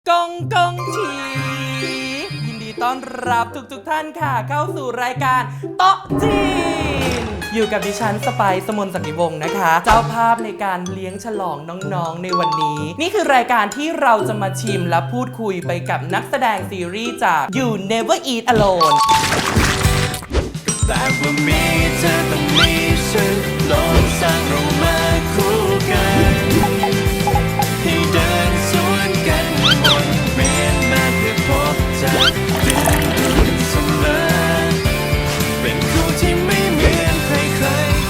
กงกงชียินดีต้อนรับทุกท่านค่ะเข้าสู่รายการโต๊ะจีนอยู่กับดิฉันสไปซ์ สมนต์ ศักดิวงศ์นะคะ เจ้าภาพในการเลี้ยงฉลองน้องๆในวันนี้ นี่คือรายการที่เราจะมาชิมและพูดคุยไปกับนักแสดงซีรีส์จาก You Never Eat Alone แต่ว่ามีเธอต้องมีฉันลองสร้างเรามาคู่กันให้เดินสวนกันวนเวียนมาเพื่อพบเจอดึงดูดเสมอเป็นคู่ที่ไม่เหมือนใคร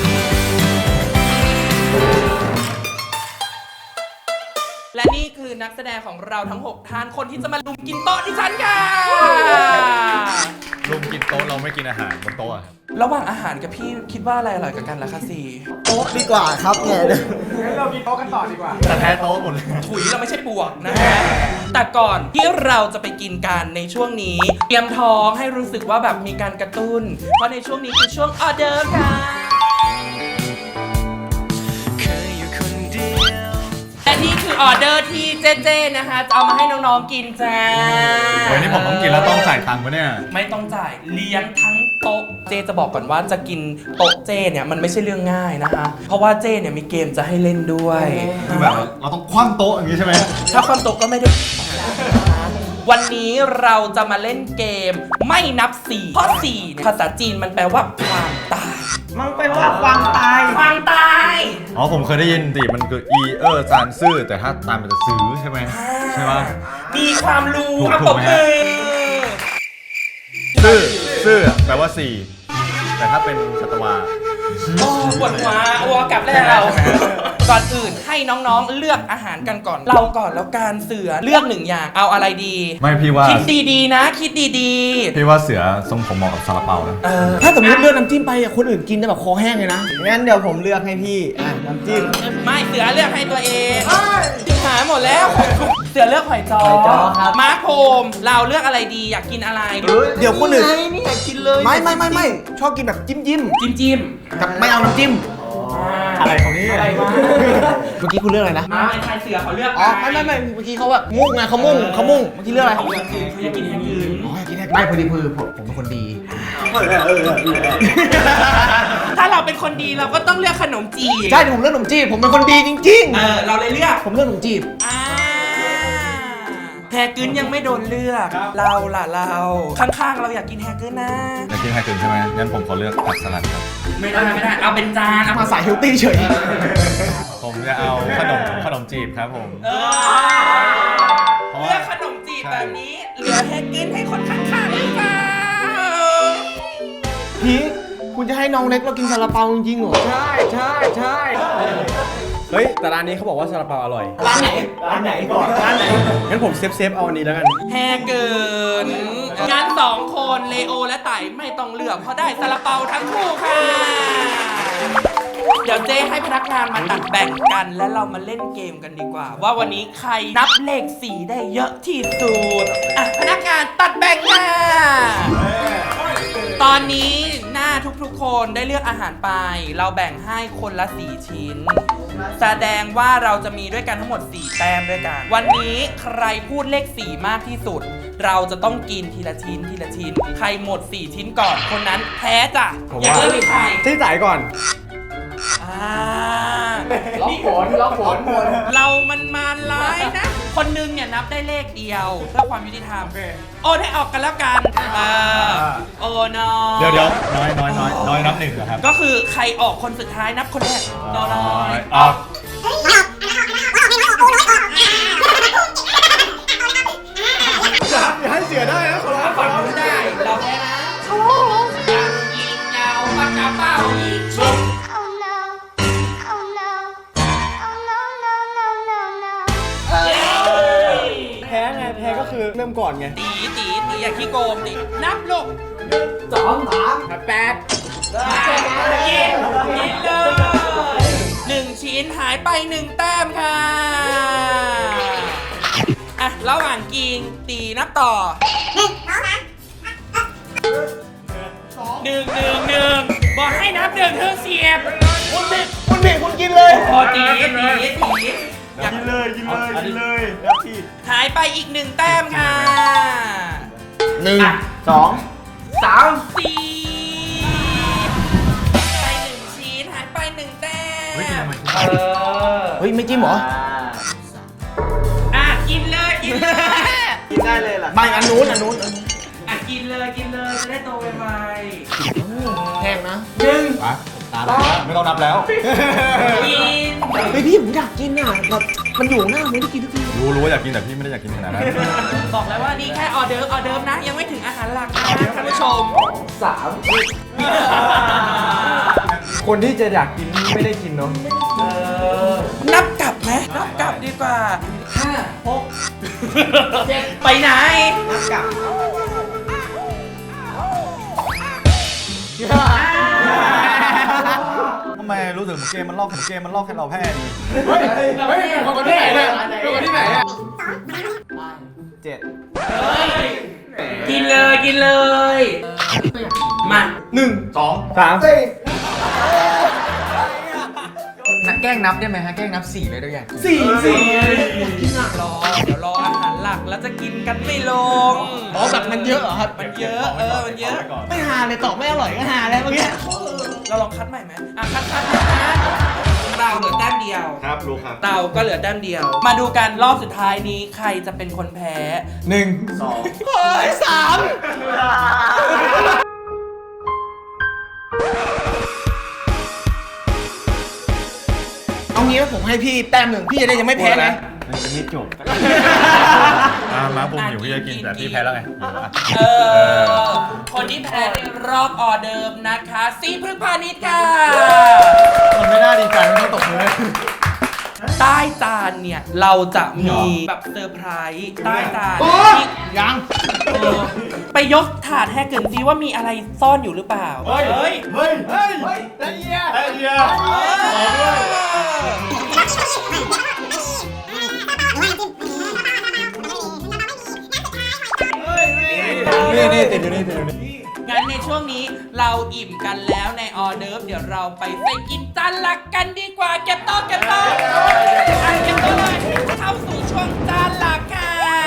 ๆและนี่คือนักแสดงของเราทั้ง 6 ท่านคนที่จะมาลุมกินโต๊ะดิฉันค่ะลุมกินโต๊ะเราไม่กินอาหารบนโต๊ะครับระหว่างอาหารกับพี่คิดว่าอะไรอร่อยกว่ากันล่ะคะซีโต๊ะดีกว่าครับเนี่ยงั้นเรากินโต๊ะกันต่อดีกว่าแต่แพ้โต๊ะหมดเลยถุยเราไม่ใช่ปวกนะฮะแต่ก่อนที่เราจะไปกินกันในช่วงนี้เตรียมท้องให้รู้สึกว่าแบบมีการกระตุ้นเพราะในช่วงนี้คือช่วงออเดอร์ค่ะเคยอยู่คนเดียวและนี่คือออเดอร์ที่เจ๊ๆนะคะจะเอามาให้น้องๆกินจ้าเฮ้ยนี่ผมต้องกินแล้วต้องจ่ายตังค์ปะเนี่ยไม่ต้องจ่ายเลี้ยงทั้งโต๊ะเจจะบอกก่อนว่าจะกินโต๊ะเจเนี่ยมันไม่ใช่เรื่องง่ายนะคะเพราะว่าเจเนี่ยมีเกมจะให้เล่นด้วยคือแบบเราต้องคว่ำโต๊ะอย่างนี้ใช่ไหมถ้าความโต๊ะก็ไม่ได้วันนี้เราจะมาเล่นเกมไม่นับ4เพราะ4เนี่ยภาษาจีนมันแปลว่าความตายมันเป็นว่าความตายความตายอ๋อผมเคยได้ยินดิมันคือจานซื่อแต่ถ้าตามมันจะซื้อใช่ไหมใช่ปะมีความรู้ถูกครับถูผกมไหมเอฮะอซื่อแปลว่า4แต่ถ้าเป็นชัตวาโอ้ปวดหัวอัวกลับแล้วก่อนอื่นให้น้องๆเลือกอาหารกันก่อนเราก่อนแล้วการเสือเลือก1อย่างเอาอะไรดีไม่พี่ว่าคิดดีๆนะคิดดีพี่ว่าเสือทรงผมเหมาะกับซาลาเปานะๆถ้าสมมติเลือกน้ำจิ้มไปอ่ะคนอื่นกินได้แบบคอแห้งเลยนะงั้นเดี๋ยวผมเลือกให้พี่น้ำจิ้มไม่เสือเลือกให้ตัวเองหาหมดแล้วเสือเลือกหอยจ้อหอยจ้อครับมาร์คโฮมเราเลือกอะไรดีอยากกินอะไรเดี๋ยวคนอื่นนี่อยากกินเลยไม่ชอบกินแบบจิ้มจิ้มกับไม่เอาน้ำจิ้มอะไรของนี่อะไรวะเมื่อกี้คุณเลือกอะไรนะมาไอ้ชายเสือเขาเลือกอ๋อไม่เมื่อกี้เขาแบบมุ่งไงเขามุ่งเมื่อกี้เลือกอะไรเขาเลือกคือเขาอยากกินอย่างอื่นอ๋ออยากกินไม่พอดีผมเป็นคนดีถ้าเราเป็นคนดีเราก็ต้องเลือกขนมจีบใช่เดี๋ยวผมเลือกขนมจีบผมเป็นคนดีจริงเราเลยเลือกๆ ผมเลือกขนมจีบแฮกึนยังไม่โดนเลือกเราล่ะเราข้างๆเราอยากกินแฮกึนนะอยากกินไฮกึนใช่ไหมงั้นผมขอเลือกผักสลัดครับไม่ได้เอาเป็นจานเอามาสายเฮลตี้เฉยผมจะเอาขนมจีบครับผมเลือกขนมจีบแบบนี้เหลือแฮกึนให้คนข้างๆหรือเปล่าพี่คุณจะให้น้องเล็กเรากินซาลาเปาจริงๆเหรอใช่เฮ้ยแต่ร้านนี้เขาบอกว่าซาลาเปาอร่อยร้านไหนก่อนร้านไหนงั้นผมเซฟเอาอันนี้แล้วกันแฮเกินงาน2 คนเลโอและไต่ไม่ต้องเลือกเพราะได้ซาลาเปาทั้งคู่ค่ะ เดี๋ยวเจ๊ให้พนักงานมาตัดแบ่งกันและเรามาเล่นเกมกันดีกว่า ว่าวันนี้ใครนับเลข4ได้เยอะที่สุดอ่ะพนักงานตัดแบ่งค่ะตอนนี้หน้าทุกๆคนได้เลือกอาหารไป เราแบ่งให้คนละ4 ชิ้น แสดงว่าเราจะมีด้วยกันทั้งหมด4 แต้มด้วยกัน วันนี้ใครพูดเลข4มากที่สุด เราจะต้องกินทีละชิ้นทีละชิ้น ใครหมด4 ชิ้นก่อนคนนั้นแพ้จ้ะผมอย่าว่าเลือกใครที่จ่ายก่อนล็อกผลเรามันมาร้ายนะ คนนึงเนี่ยนับได้เลขเดียวเพื่อความยุติธรรมโอนให้ออกกันแล้วกันโอ้น้อยเดี๋ยวน้อยนับ1เหรอครับก็คือใครออกคนสุดท้ายนับคนแรกน้อยออกอย่าให้เสียได้นะขอร้องฝั่งนู้นได้เราแพ้นะยิงยาวปากกาเป้ายิงชุบ Oh no. Oh no. Oh no, no, no, no, no. แพ้ไงแพ้ก็คือเริ่มก่อนไงตีอย่าขี้โกงตีนับลูก 8 กินเลย1 ชิ้นหายไป1 แต้มค่ะอ่ะระหว่างกินตีนับต่อหนึ่งบอกให้นับ1เธอเสียบคุณผิดคุณกินเลยพอตีกินเลยกินเลยกินเลยแล้วพี่หายไปอีก1 แต้มค่ะ 1 2 3 4ไป1 ชิ้นหายไป1 แต้มเฮ้ยกินทำไมเฮ้ย ไม่จิ้มเหรออ่ะกินเลยกินเลยกินได้เลยล่ะไม่อันนู้นอ่ะกินเลยจะได้โตไวแห้งนะไปตามแล้วไม่ต้องนับแล้วๆกินเฮ้ยพี่ผมอยากกินอ่ะแบบมันอยู่หน้าไม่ได้กินทุกทีรู้ว่าอยากกินแต่พี่ไม่ได้อยากกินขนาดนั้นบอกแล้วว่านี่แค่ออเดิร์ฟนะ ยังไม่ถึงอาหารหลักนะท่านผู้ชมคนที่จะอยากกินไม่ได้กินเนาะนับกลับไหมนับกลับดีกว่า 5 6 7 ไปไหนทำไมรู้สึกเหมือนเกมมันลอกให้เราแพ้ดีคนที่ไหนเนี่ยคนที่ไหนเนี่ยกินเลยมา 1 2 3 แกล้งนับได้ไหมฮะ แกล้งนับ4เลยด้วยกันรอเดี๋ยวรออาหารหลักแล้วจะกินกันไม่ลงอ๋อแบบมันเยอะเหรอครับมันเยอะมันเยอะไม่หาเลยตอบไม่อร่อยก็หาแล้วเมื่อกี้เราลองคัดใหม่ไหมคัดนะเราเหลือแต้มเดียวครับรู้ครับเต่าก็เหลือแต้มเดียว มาดูกันรอบสุดท้ายนี้ใครจะเป็นคนแพ้ 1 2 3เอางี้ว่าผมให้พี่แต้ม 1 พี่จะได้ยังไม่แพ้ไงมันจะไม่จบมาผมอยู่พี่จะกินแต่พี่แพ้แล้วไงคนที่แพ้ในรอบออเดิร์ฟนะคะซีพฤกษ์พาณิชย์ค่ะมันไม่น่าดีใจไม่ต้องตกเลยใต้จานเนี่ยเราจะมีแบบเซอร์ไพรส์ใต้จานที่ยังไปยกถาดให้เกินซิว่ามีอะไรซ่อนอยู่หรือเปล่าเฮ้ยได้เยียนี่ติดอยู่นี่งั้นในช่วงนี้เราอิ่มกันแล้วในออเดิร์ฟเดี๋ยวเราไปกินจานหลักกันดีกว่าเก็บโต๊ะเก็บโต๊ะเลยเข้าสู่ช่วงจานหลักค่ะ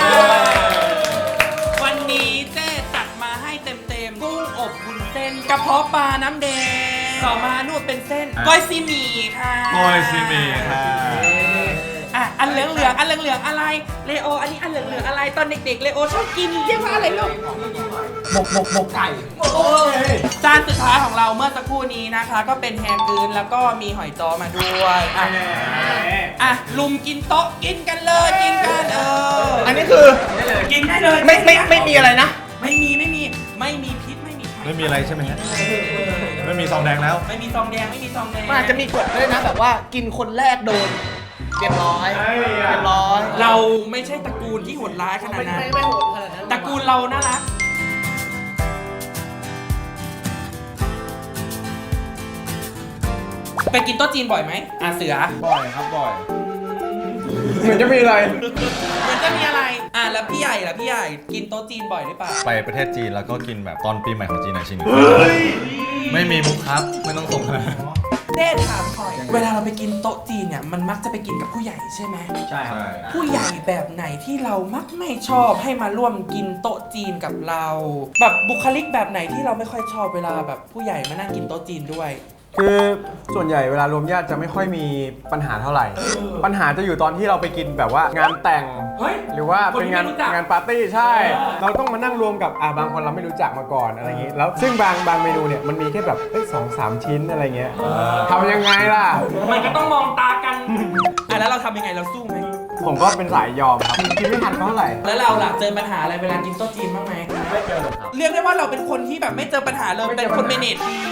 วันนี้เจ๊ตัดมาให้เต็มๆกุ้งอบวุ้นเส้นกระเพาะปลาน้ำแดงต่อมานู่นเป็นเส้นก้อยซีหมี่ค่ะก้อยซีหมี่ค่ะอ่ะอันเหลืองอะไรเลโออันนี้อันเหลืองอะไรตอนเด็กๆเลโอชอบกินเรียกว่าอะไรลูกหมกไก่จานสุดท้ายของเราเมื่อสักครู่นี้นะคะ ก็เป็นแฮมกืนแล้วก็มีหอยจ้อมาด้วยอ่ะลุมกินโต๊ะกินกันเลยกินกันอันนี้คือกินได้เลยไม่มีอะไรนะไม่มีพิษไม่มีภัยไม่มีอะไรใช่ไหมฮะไม่มีซองแดงแล้วไม่มีซองแดงไม่มีซองแดงมันอาจจะมีกฎด้วยนะแบบว่ากินคนแรกโดนเรียบร้อยเรียบร้อยเราไม่ใช่ตระกูลที่โหดร้ายขนาดนั้นไม่โหดขนาดนั้นตระกูลเราน่ารักไปกินโต๊ะจีนบ่อยไหมเสือบ่อยครับบ่อยเหมือนจะมีอะไรมันจะมีอะไรแล้วพี่ใหญ่ล่ะพี่ใหญ่กินโต๊ะจีนบ่อยหรือเปล่าไปประเทศจีนแล้วก็กินแบบตอนปีใหม่ของจีนหน่อยชิงไม่มีมุกครับไม่ต้องส่งมาเด้ถามหน่อยเวลาเราไปกินโต๊ะจีนเนี่ยมันมักจะไปกินกับผู้ใหญ่ใช่ไหมใช่ครับผู้ใหญ่แบบไหนที่เรามักไม่ชอบให้มาร่วมกินโต๊ะจีนกับเรา แบบบุคลิกแบบไหนที่เราไม่ค่อยชอบเวลาแบบผู้ใหญ่มานั่งกินโต๊ะจีนด้วยคือส่วนใหญ่เวลารวมญาติจะไม่ค่อยมีปัญหาเท่าไหร่ ปัญหาจะอยู่ตอนที่เราไปกินแบบว่างานแต่งเฮ้ยหรือว่าคนเป็นที่งานไม่รู้จักงานปาร์ตี้ใช่ เราต้องมานั่งรวมกับบางคนเราไม่รู้จักมาก่อนอะไรอย่างงี้ แล้วซึ่งบางเมนูเนี่ยมันมีแค่แบบ2-3 ชิ้นอะไรเงี้ยทำยังไงล่ะมันก็ต้องมองตากันแล้วเราทำยังไงเราสู้ไหมผมก็เป็นสายยอมครับกินไม่ทันเท่าไหร่แล้วเราล่ะเจอปัญหาอะไรเวลากินโต๊ะจีนบ้างไหมไม่เจอครับเรียกได้ว่าเราเป็นคนที่แบบไม่เจอปัญหาเลยเป็นคนเมเนจดี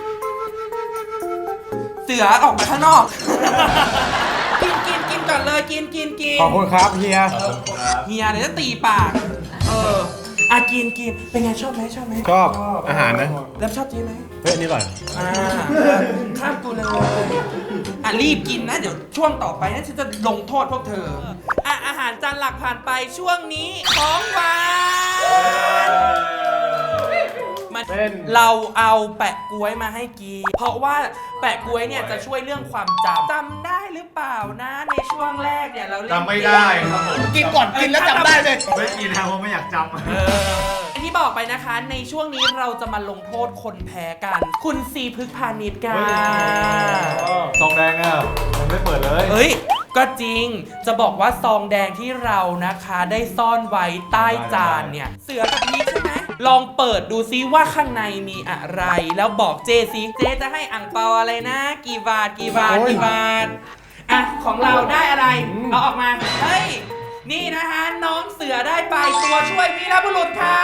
เสือออกมาข้างนอก กินก่อนเลยกินขอบคุณครับเฮียเฮียเดี๋ยวจะตีปากกินเป็นไงชอบไหมชอบอาหารนะแล้วชอบจีนไหมเฮ้ยอันนี่อร่อยข้ามกูเลยรีบกินนะเดี๋ยวช่วงต่อไปนะฉันจะลงโทษพวกเธออาหารจานหลักผ่านไปช่วงนี้ของหวานมาเป็นเราเอาแปะกล้วยมาให้กีเพราะว่าแปะกล้วยเนี่ยจะช่วยเรื่องความจำได้หรือเปล่านะในช่วงแรกเนี่ยเราเล่นจำไม่ได้ครับผมกินก่อนกินแล้วจำได้เลยไม่กินนะเพราะไม่อยากจำที่บอกไปนะคะในช่วงนี้เราจะมาลงโทษคนแพ้กัน คุณซีพฤกษ์พาณิชย์กันซองแดงอ่ะยังไม่เปิดเลยเฮ้ย ก็จริงจะบอกว่าซองแดงที่เรานะคะได้ซ่อนไว้ใต้จานเนี่ย เสือกับพีชใช่ไหมลองเปิดดูซิว่าข้างในมีอะไร แล้วบอกเจซิเจจะให้อ่างเปาอะไรนะ กี่บาทกี่บาทกี่บาทอ่ะของเราได้อะไรเอาออกมาเฮ้ยนี่นะคะน้องเสือได้ไปตัวช่วยวีรบุรุษค่ะ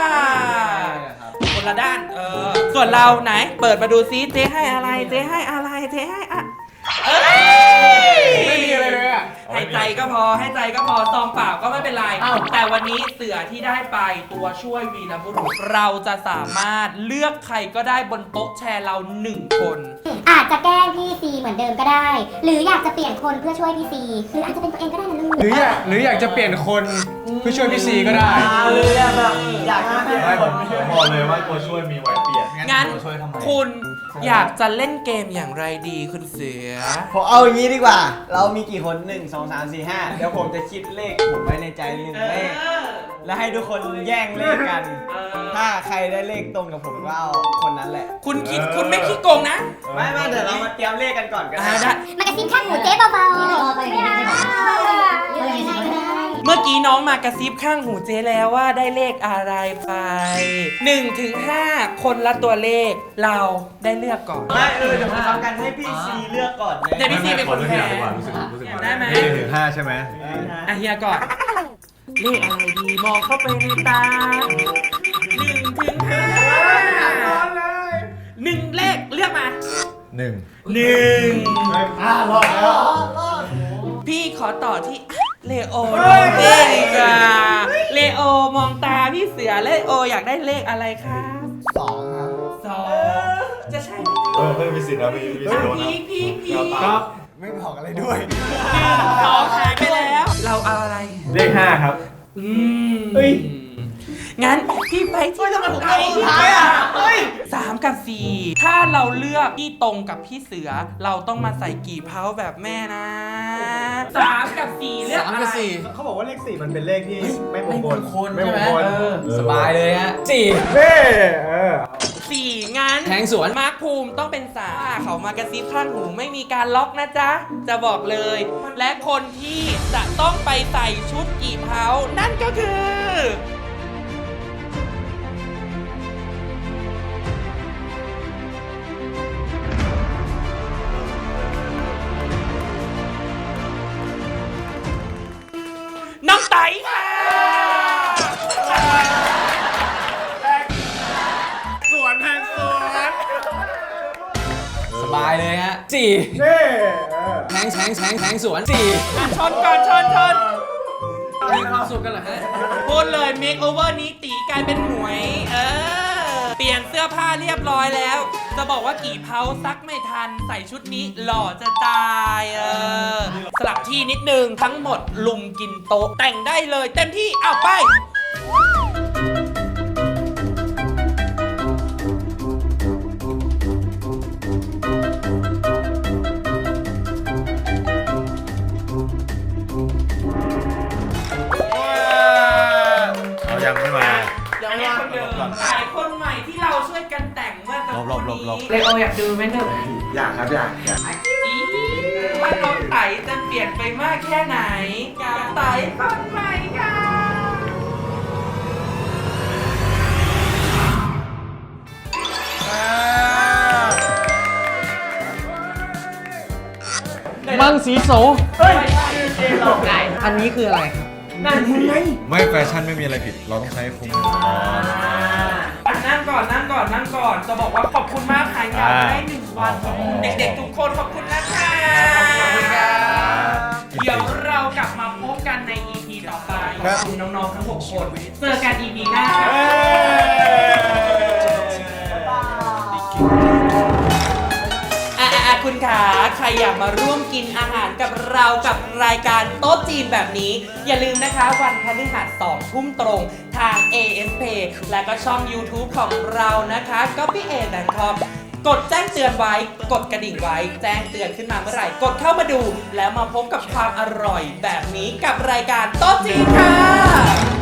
คนละด้านส่วนเราไหนเปิดมาดูซิเจให้อะไรเจให้อะไรเจให้อะไม่มีอะไรเลยอ่ะให้ใจก็พอให้ใจก็พอซองเปล่าก็ไม่เป็นไรแต่วันนี้เสือที่ได้ไปตัวช่วยวีรบุรุษเราจะสามารถเลือกใครก็ได้บนโต๊ะแชร์เรา1 คนอาจจะแกล้งพี่ซีเหมือนเดิมก็ได้ หรืออยากจะเปลี่ยนคนเพื่อช่วยพี่ซีหรืออาจจะเป็นตัวเองก็ได้นะลูกหรืออยากจะเปลี่ยนคนเพื่อช่วยพี่ซีก็ได้อยากจะเปลี่ยนไม่คผมนบอกเลยว่าตัวช่วยมีไว้เปลี่ยนงั้นตัวช่วยทำไมคุณอยากจะเล่นเกมอย่างไรดีคุณเสือผมเอาอย่างนี้ดีกว่า เรามีกี่คน 1 2 3 4 5 เดี๋ยวผมจะคิดเลขผมไว้ในใจ1 เลข แล้วให้ทุกคนแย่งเลขกัน ถ้าใครได้เลขตรงกับผมก็เอาคนนั้นแหละคุณคิดคุณไม่ขี้โกงนะไม่เดี๋ยวเรามาเตรียมเลขกันก่อนกันได้มากระซิบข้างหูเจ๊เบาๆไม่เอาเรื่องยังไงก็ได้เมื่อกี้น้องมากระซิบข้างหูเจ๊แล้วว่าได้เลขอะไรไป1 ถึง 5 คนละตัวเลขเราได้เลือกก่อนไม่เดี๋ยวผมทำกันให้พี่ซีเลือกก่อนเลยเดี๋ยวพี่ซีเป็นคนแพ้รู้สึกได้ไหม 1 ถึง 5ใช่ไหมอ่ะเฮียก่อนเลขอะไรดีมองเข้าไปในตา1 ถึง 5 1 เลขเลือกมา 1 1 รอดแล้วพี่ขอต่อที่เลโอน้องเต้ดีกว่าเลโอมองตาพี่เสือเลโออยากได้เลขอะไรครับ 2 ครับ 2จะใช่ไหมเพิ่มมีสิทธิ์นะมีสิทธิ์โดนนะพี่ครับไม่บอกอะไรด้วย 2หายไปแล้ว เราเอาอะไรเลข 5 ครับเฮ้ยงั้นพี่ไปที่ทำไมผมเอาสุดท้ายอ่ะ3 กับ 4 ถ้าเราเลือกที่ตรงกับพี่เสือ เราต้องมาใส่กี่เผาแบบแม่นะ3 กับ 4 เลือกอะไรเขาบอกว่าเลข 4 มันเป็นเลขที่ไม่มงคลไม่มงคลสบายเลยฮะ 4 4 งั้นแทงสวนมาร์คภูมิต้องเป็น3เขามากระซิบข้างหูไม่มีการล็อกนะจ๊ะ จะบอกเลย และคนที่จะต้องไปใส่ชุดกี่เผานั่นก็คือ น้องไตค่ะสบายเลยฮะแทงสวน4 ชนก่อนชนมีความสุขกันเหรอฮะพูดเลยเมคโอเวอร์นี้ตีกลายเป็นหมวย เปลี่ยนเสื้อผ้าเรียบร้อยแล้ว จะบอกว่ากี่เผาซักไม่ทันใส่ชุดนี้หล่อจะตายสลับที่นิดนึงทั้งหมดลุมกินโต๊ะแต่งได้เลยเต็มที่เอาไปเรายังไม่มาอันนี้คนเดิมหลายคนใหม่ที่เราช่วยกันแต่งเมื่อสักครู่นี้หลบเลโออยากดูไหมหนึ่งอยากครับอยากอีว่าน้องไตจะเปลี่ยนไปมากแค่ไหนกับไตคนใหม่ค่ะมังสีโสอันนี้คืออะไรครับนั่นไงไม่แฟชั่นไม่มีอะไรผิด เราต้องใช้คุ้มก่อนนั่งก่อนจะบอกว่าขอบคุณมากหายงานมาได้1 วันเด็กๆทุกคนขอบคุณนะคะเดี๋ยวเรากลับมาพบกันใน EP ต่อไปขอบคุณน้องๆทั้ง6 คนเจอกัน EP หน้าครับคุณขาใครอยากมาร่วมกินอาหารกับเรากับรายการโต๊ะจีนแบบนี้ อย่าลืมนะคะวันพฤหัส2 ทุ่มตรงทาง ASP และก็ช่อง YouTube ของเรานะคะ copyA.com กดแจ้งเตือนไว้ กดกระดิ่งไว้ แจ้งเตือนขึ้นมาเมื่อไหร่ กดเข้ามาดู แล้วมาพบกับความอร่อยแบบนี้กับรายการโต๊ะจีนค่ะ